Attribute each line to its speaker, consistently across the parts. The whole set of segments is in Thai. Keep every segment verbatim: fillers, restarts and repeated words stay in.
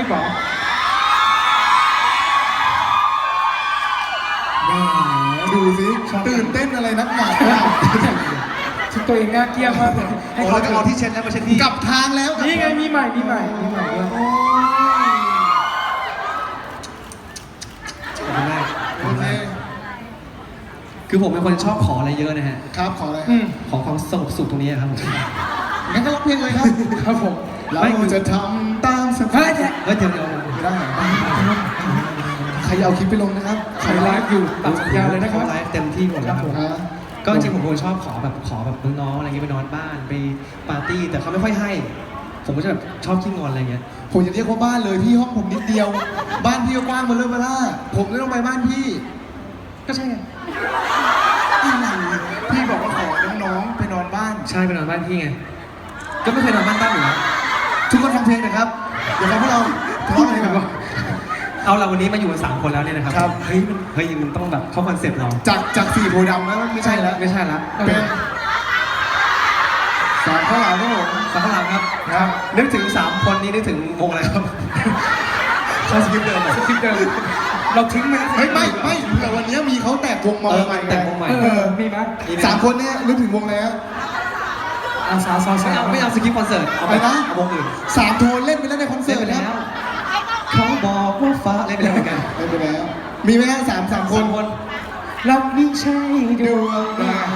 Speaker 1: หรอ
Speaker 2: ดูสิตื่นเต้นอะไรนักหนา
Speaker 1: ชุดตัวเองน่าเกลี้ยงมากเลย
Speaker 3: ให้เขาจะเอาที่เช็ดแล้วมาเช็ดที่
Speaker 2: กลับทางแล้ว
Speaker 1: นี่ไงมีใหม่มีใหม่มีใหม่ด้วย
Speaker 3: ขอบคุณมาก
Speaker 2: โอเค
Speaker 3: คือผมเป็นคนชอบขออะไรเยอะนะฮะ
Speaker 2: ครับขออะไร
Speaker 3: ขอความสงบสุขตรงนี้ครับผม
Speaker 2: งั้นก็ร้องเพลงเลยครับ
Speaker 1: ครับผม
Speaker 2: เราจะทำตามสบาย
Speaker 3: เฮ้ยเดี๋ยวเดี๋ยว
Speaker 2: ได้ใครเอาคลิปไปลงนะครับ
Speaker 1: ใครไลฟ์อยู่ตัดสัญญาเลยนะครับ
Speaker 3: ไลฟ์เต็มที่หมดแล้วก็จริงผมคนชอบขอแบบขอแบบน้องๆอะไรเงี้ยไปนอนบ้านไปปาร์ตี้แต่เขาไม่ค่อยให้ผมก็จะแบบชอบขี้งอนอะไรเงี้ย
Speaker 2: ผมจะเรียกว่าบ้านเลยพี่ห้องผมนิดเดียวบ้านพี่ก็กว้างมาเลยมาล่าผมเลยต้องไปบ้านพี่
Speaker 3: ก็ใช่ไง
Speaker 2: พี่บอกว่าขอน้องๆไปนอนบ้าน
Speaker 3: ใช่ไปนอนบ้านพี่ไงก็ไม่เคยนอนบ้านบ้านอยู่แล้ว
Speaker 2: ทุกคนฟังเพลงนะครับเดี๋ยวพวกเราพูดอะไรกันวะ
Speaker 3: เอาเราวันนี้มาอยู่กันสามคนแล้วเนี่ยนะครับ
Speaker 2: ครับ
Speaker 3: เฮ้ยมันเฮ้ยมันต้องแบบเข้าคอนเซ็ปต์เรา
Speaker 2: จากจากสี่โพดำแล้วไม่ใช่แล้ว
Speaker 3: ไม่ใช่แล้ว
Speaker 2: เป็นสามข้าวหลามครับผม
Speaker 3: สามข้าวหลามครับครับนึกถึงสามคนนี้นึกถึงวงอะไรครับใช่สคริปต์เดิม
Speaker 1: สคริปต์เดิมเราทิ้งไหม
Speaker 2: เฮ้ยไม่ไม่แต่วันนี้มีเขาแตกวงมาใหม่
Speaker 3: แตกวงใหม่
Speaker 1: มีไหม
Speaker 2: สามคนเนี่ยนึกถึงวงแล้ว
Speaker 1: อาซาซาซา
Speaker 3: ไม่เอาสคริปต์คอนเสิร์ตเอาไปนะเอาวงอื่น
Speaker 2: สามโทนเล่นไปแล้วในคอนเสิร์ตแล้ว
Speaker 3: เขาบอกว่าฟ้าเล่นไปแล้วเหมือนกัน
Speaker 2: เล่นไปแล้วมีไหมฮะสามสามคน
Speaker 1: รักนี่ใช่ดวงดาว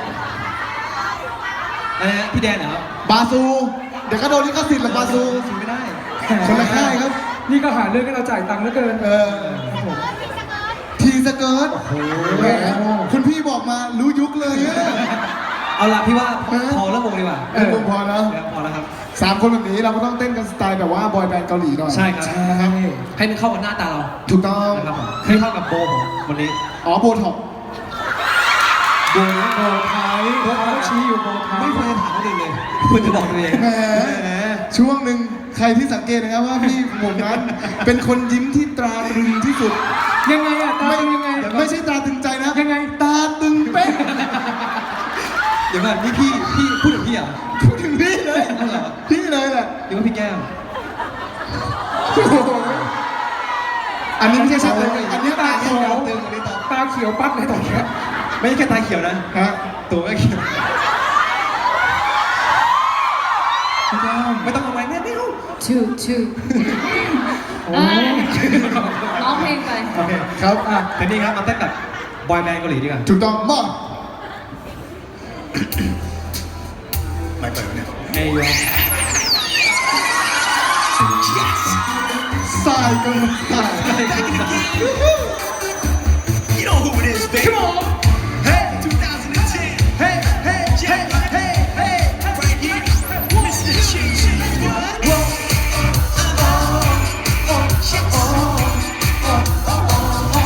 Speaker 3: อะไรนะพี่แดนเหร
Speaker 2: อบาซูเดี๋ยวก็โดนลิขสิทธิ์หรอกบาซู
Speaker 3: ไม่ได้
Speaker 2: คนละค่ายครับ
Speaker 1: นี่ก็หาเรื่องให้เราจ่ายตังค์เหลือเกิน
Speaker 2: เออทีสเกิร์ตคุณพี่บอกมารู้ยุคเลย
Speaker 3: เอาละพี่ว่าพอแล้ววงดีกว่า
Speaker 2: เออพอแล้ว
Speaker 3: พอแล้วครับ
Speaker 2: สามคนแบบนี้เราก็ต้องเต้นกันสไตล์แบบว่าบอยแบนด์เกาหลีหน่อย
Speaker 3: ใช่ครับนะครับให้มันเข้ากับหน้าตาเรา
Speaker 2: ถูกต้อง
Speaker 3: นะครับผมให้เข้ากับโบผมวันนี้
Speaker 2: อ๋อโบท็อก
Speaker 1: โบโบไทยโบเขาชี้อยู่โบไทย
Speaker 3: ไม่ควรจะถามคนอื่นเลยควรจะบอกตัวเอง
Speaker 2: แหมช่วงหนึ่งใครที่สังเกตนะครับว่าพี่ผมนั้นเป็นคนยิ้มที่ตราตรึงที่สุด
Speaker 1: ยังไงอะตาตึงยังไง
Speaker 2: ไม่ใช่ตาตึงใจนะ
Speaker 1: ยังไง
Speaker 2: ตาตึงเป๊ะ
Speaker 3: เดี๋ยวก่อนนี่พี่พี่พูดถึงพี่อ่ะ
Speaker 2: พูดถึงพี่เลยพี่เลยแหละ
Speaker 3: หรือว่าพี่แก้ว
Speaker 2: อันนี้ไม่ใช่ชัดเลยอันนี้
Speaker 1: ตาเขียวตาเขียวปั๊บเลยตอนนี้
Speaker 3: ไม่ใช่แค่ตาเขียวนะ
Speaker 2: ฮะ
Speaker 3: ตัวก็เขียวไม่ต้องเอาไว้แม่ไม่รู้
Speaker 4: ชื่อชื่อร้องเพลงไป
Speaker 3: โอเคครับอ่ะทีนี้ครับมาเต้นกับบอยแบนด์เกาหลีดีกว่า
Speaker 2: ถูกต้องมาก
Speaker 3: ไม่เปิดเนี่ยไม่ยอม
Speaker 2: สายกันสาย
Speaker 5: You know who it is, baby. Come on. Hey, twenty ten. Hey, hey, hey, hey, hey. Right here, Mister Cheesy. What? Whoa. Oh, oh, oh, yes. Oh, oh, oh, oh, oh.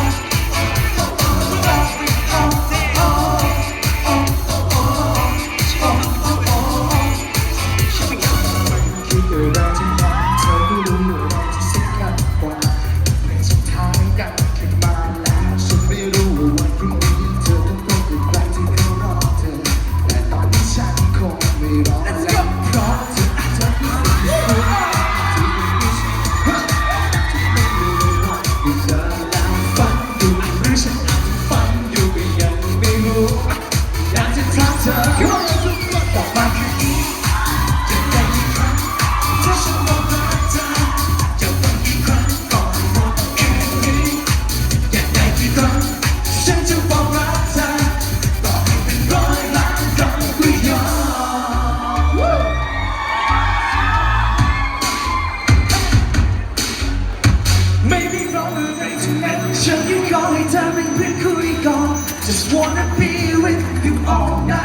Speaker 5: Just wanna be with you all night.